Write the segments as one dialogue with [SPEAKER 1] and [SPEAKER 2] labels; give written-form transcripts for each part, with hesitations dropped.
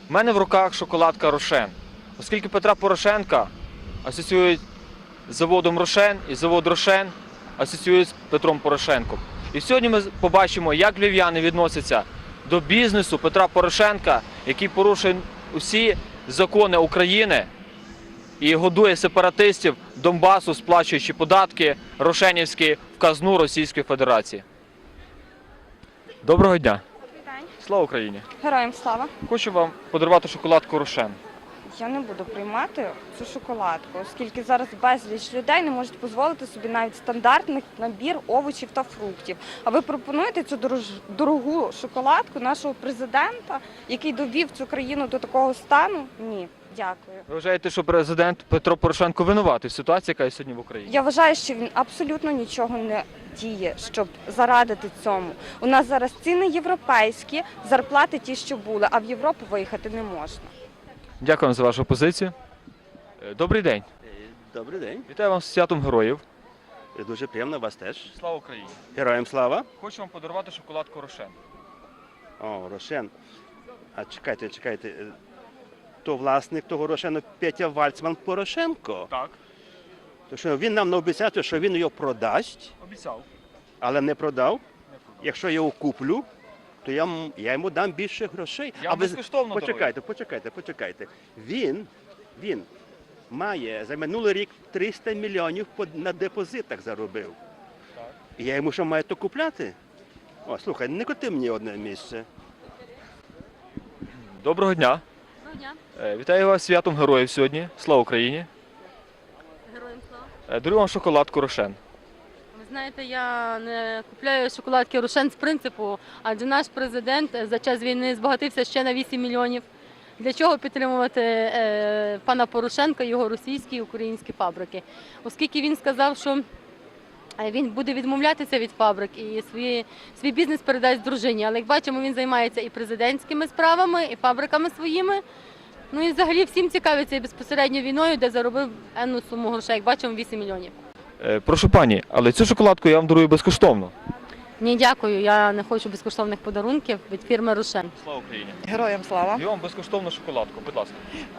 [SPEAKER 1] У мене в руках шоколадка Рошен. Оскільки Петра Порошенка асоціюють з заводом Рошен і завод Рошен асоціюють з Петром Порошенком. І сьогодні ми побачимо, як львів'яни відносяться до бізнесу Петра Порошенка, який порушує усі закони України і годує сепаратистів Донбасу, сплачуючи податки рошенівські в казну Російської Федерації. Доброго дня!
[SPEAKER 2] Добрий день.
[SPEAKER 1] Слава Україні!
[SPEAKER 2] Героям слава.
[SPEAKER 1] Хочу вам подарувати шоколадку Рошен.
[SPEAKER 2] Я не буду приймати цю шоколадку, оскільки зараз безліч людей не можуть дозволити собі навіть стандартний набір овочів та фруктів. А ви пропонуєте цю дорогу шоколадку нашого президента, який довів цю країну до такого стану? Ні, дякую.
[SPEAKER 1] Ви вважаєте, що президент Петро Порошенко винуватий в ситуації, яка є сьогодні в Україні?
[SPEAKER 2] Я вважаю, що він абсолютно нічого не діє, щоб зарадити цьому. У нас зараз ціни європейські, зарплати ті, що були, а в Європу виїхати не можна.
[SPEAKER 1] Дякую за вашу позицію. Добрий день.
[SPEAKER 3] Добрий день.
[SPEAKER 1] Вітаю вас з святом героїв.
[SPEAKER 3] Дуже приємно вас теж.
[SPEAKER 1] Слава Україні.
[SPEAKER 3] Героям слава.
[SPEAKER 1] Хочу вам подарувати шоколадку Рошен.
[SPEAKER 3] О, Рошен. А чекайте. То власник того Рошену Петя Вальцман Порошенко.
[SPEAKER 1] Так.
[SPEAKER 3] То що він нам наобіцяв, що він його продасть,
[SPEAKER 1] Обіцяв.
[SPEAKER 3] але не продав. Якщо я його куплю, то я йому дам більше грошей.
[SPEAKER 1] Я вам безкоштовно дарую.
[SPEAKER 3] Почекайте. Він має за минулий рік 300 мільйонів на депозитах заробив.
[SPEAKER 1] Так.
[SPEAKER 3] І я йому що маю то купляти? О, слухай, не коти мені одне місце.
[SPEAKER 1] Доброго дня.
[SPEAKER 4] Доброго дня.
[SPEAKER 1] Вітаю вас з святом героїв сьогодні. Слава Україні.
[SPEAKER 4] Героям слава.
[SPEAKER 1] Дарую вам шоколадку Рошен.
[SPEAKER 4] Ви знаєте, я не купляю шоколадки Рошен з принципу, адже наш президент за час війни збагатився ще на 8 мільйонів. Для чого підтримувати пана Порошенка і його російські і українські фабрики? Оскільки він сказав, що він буде відмовлятися від фабрик і свій бізнес передасть дружині. Але як бачимо, він займається і президентськими справами, і фабриками своїми. Ну і взагалі всім цікавиться і безпосередньо війною, де заробив енну суму грошей. Як бачимо, 8 мільйонів.
[SPEAKER 1] Прошу пані, але цю шоколадку я вам дарую безкоштовно.
[SPEAKER 4] Ні, дякую. Я не хочу безкоштовних подарунків від фірми Рошен.
[SPEAKER 1] Слава Україні.
[SPEAKER 5] Героям слава.
[SPEAKER 1] Даю вам безкоштовну шоколадку, будь ласка.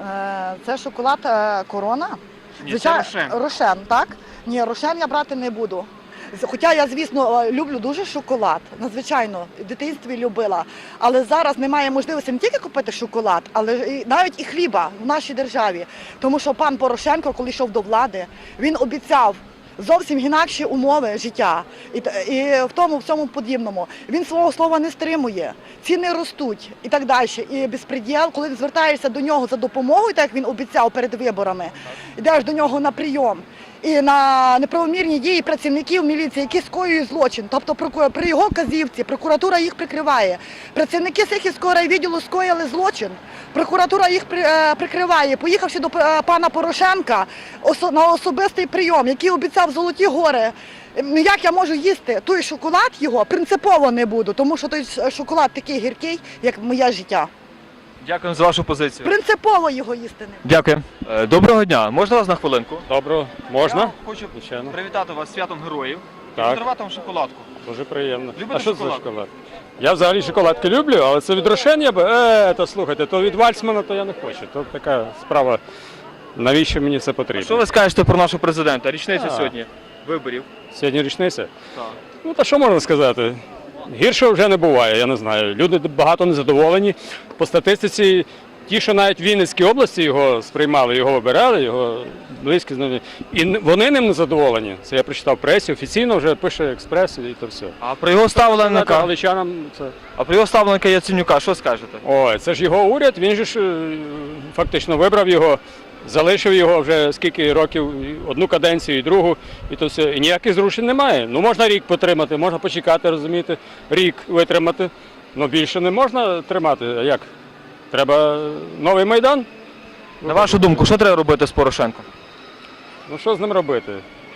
[SPEAKER 5] Це шоколад Корона.
[SPEAKER 1] Ні, це Рошен.
[SPEAKER 5] Рошен, так? Ні, Рошен я брати не буду. Хоча я, звісно, люблю дуже шоколад, надзвичайно, в дитинстві любила. Але зараз немає можливості не тільки купити шоколад, але навіть і хліба в нашій державі. Тому що пан Порошенко, коли йшов до влади, він обіцяв зовсім інакші умови життя і в тому всьому подібному. Він свого слова не стримує, ціни ростуть і так далі. І безпреділ, коли звертаєшся до нього за допомогою, так як він обіцяв перед виборами, йдеш до нього на прийом. І на неправомірні дії працівників міліції, які скоюють злочин. Тобто при його вказівці прокуратура їх прикриває. Працівники Сихівського райвідділу скоїли злочин, прокуратура їх прикриває. Поїхавши до пана Порошенка на особистий прийом, який обіцяв золоті гори, як я можу їсти той шоколад його, принципово не буду, тому що той шоколад такий гіркий, як моє життя.
[SPEAKER 1] Дякую за вашу позицію.
[SPEAKER 5] Принципово його їсти не буду.
[SPEAKER 1] Дякую. Доброго дня. Можна вас на хвилинку?
[SPEAKER 6] Добре,
[SPEAKER 1] Я
[SPEAKER 6] можна?
[SPEAKER 1] хочу
[SPEAKER 6] Звичайно.
[SPEAKER 1] привітати вас з святом героїв і
[SPEAKER 6] Так.
[SPEAKER 1] подарувати вам шоколадку.
[SPEAKER 6] Дуже приємно.
[SPEAKER 1] Любите
[SPEAKER 6] А що це за
[SPEAKER 1] шоколад?
[SPEAKER 6] шоколад? Я взагалі шоколадки люблю, але це від Рошен я би. То слухайте, то від Вальцмана то я не хочу. То така справа. Навіщо мені це потрібно?
[SPEAKER 1] Що ви скажете про нашого президента? Річниця
[SPEAKER 6] Так.
[SPEAKER 1] сьогодні виборів.
[SPEAKER 6] Сьогодні річниця?
[SPEAKER 1] Так.
[SPEAKER 6] Ну та що можна сказати? Гірше вже не буває, я не знаю. Люди багато незадоволені. По статистиці, ті, що навіть в Вінницькій області його сприймали, його вибирали, його близькі знайомі. І вони ним не задоволені. Це я прочитав в пресі, офіційно вже пише Експрес і то все.
[SPEAKER 1] А про його ставленика,
[SPEAKER 6] Галичанам це...
[SPEAKER 1] Яценюка, що скажете?
[SPEAKER 6] Ой, це ж його уряд, він же ж фактично вибрав його, залишив його вже скільки років, одну каденцію і другу, і то все. І ніяких зрушень немає. Ну можна рік потримати, можна почекати, розумієте, рік витримати. Ну більше не можна тримати. А як? Треба новий Майдан?
[SPEAKER 1] На вашу думку, що треба робити з Порошенком?
[SPEAKER 6] Ну що з ним робити?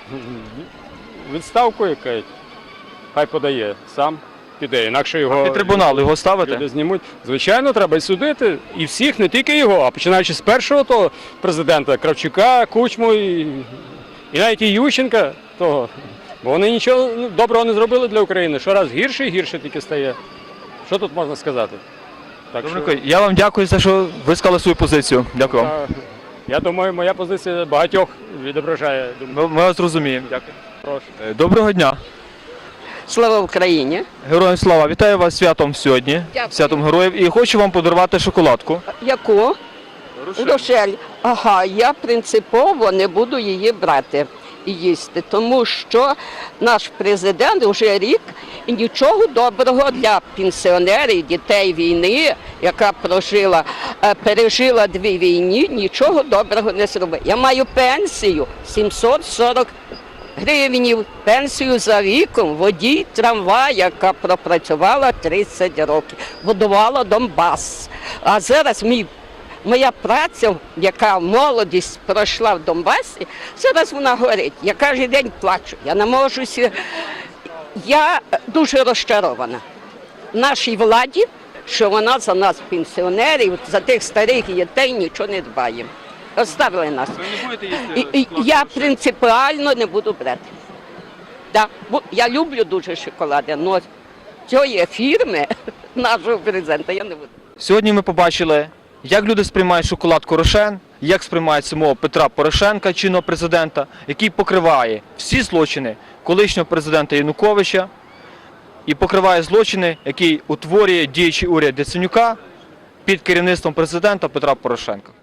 [SPEAKER 6] Відставку якась, хай подає, сам піде, інакше його...
[SPEAKER 1] Під трибунал його ставити?
[SPEAKER 6] Люди знімуть. Звичайно, треба і судити. І всіх, не тільки його, а починаючи з першого того президента, Кравчука, Кучму і навіть і Ющенка того. Бо вони нічого доброго не зробили для України. Щораз гірше і гірше тільки стає. Що тут можна сказати? Так що,
[SPEAKER 1] Добренько, я вам дякую за те, що ви сказали свою позицію. Дякую вам.
[SPEAKER 6] я думаю, моя позиція багатьох відображає думку.
[SPEAKER 1] Ми вас розуміємо. Дякую.
[SPEAKER 6] Прошу.
[SPEAKER 1] Доброго дня.
[SPEAKER 7] Слава Україні!
[SPEAKER 1] Героям слава! Вітаю вас з святом сьогодні.
[SPEAKER 7] Дякую.
[SPEAKER 1] Святом героїв. І хочу вам подарувати шоколадку.
[SPEAKER 7] Яку? Рошель. Ага, я принципово не буду її брати і їсти, тому що наш президент вже рік і нічого доброго для пенсіонерів, дітей війни, яка пережила 2 війни, нічого доброго не зробив. Я маю пенсію 740 гривень, пенсію за віком, водій трамвая, яка пропрацювала 30 років, будувала Донбас. А зараз моя праця, яка молодість пройшла в Донбасі, зараз вона горить. Я кожен день плачу, я не можу Я дуже розчарована в нашій владі, що вона за нас, пенсіонерів, за тих старих дітей нічого не дбає. Оставили нас. Я принципіально не буду брати. Да, бо я люблю дуже шоколади, але цієї фірми нашого президента я не буду.
[SPEAKER 1] Сьогодні ми побачили, як люди сприймають шоколадку Рошен, як сприймають самого Петра Порошенка, чинного президента, який покриває всі злочини колишнього президента Януковича і покриває злочини, які утворює діючий уряд Яценюка під керівництвом президента Петра Порошенка.